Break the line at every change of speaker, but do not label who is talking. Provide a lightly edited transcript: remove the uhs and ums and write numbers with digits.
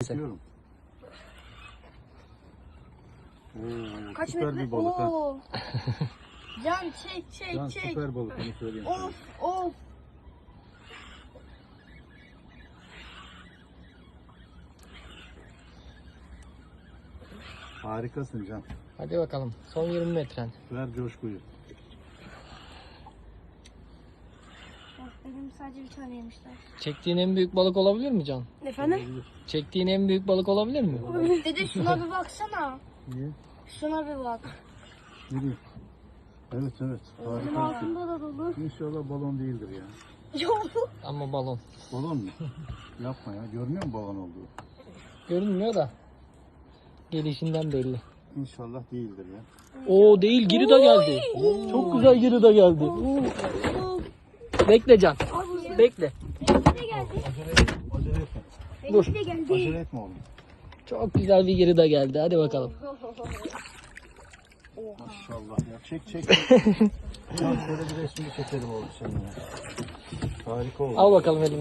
gelsin.
Çekiyorum.
Kaç
Süper
metre?
bir balık ha.
Oo. Can çek
Can
çek.
süper balık, onu söyleyeyim sana.
Of of.
Harikasın Can.
Hadi bakalım. Son 20 metren.
Ver coşkuyu.
Benim sadece bir tane yemişler.
Çektiğin en büyük balık olabilir mi Can?
Efendim?
Çektiğin en büyük balık olabilir mi?
Dede şuna bir baksana.
Niye?
Şuna bir bak.
Nereye? Evet evet.
Benim
Harika.
altında da dolu.
İnşallah balon değildir ya.
Yok.
Ama balon.
Balon mu? Yapma ya. Görmüyor musun balon olduğu?
Görünmüyor da. Gelişinden belli.
İnşallah değildir ya.
Oo değil, girida geldi. Çok güzel girida geldi. Bekle Can. Bekle.
Acele etme.
Dur.
Benimki de geldi.
Acele etme oğlum.
Çok güzel bir girida geldi. Hadi bakalım.
Maşallah ya. Çek çek. Can şöyle bir resmini çekelim oğlum seninle. Harika oldu.
Al bakalım elini.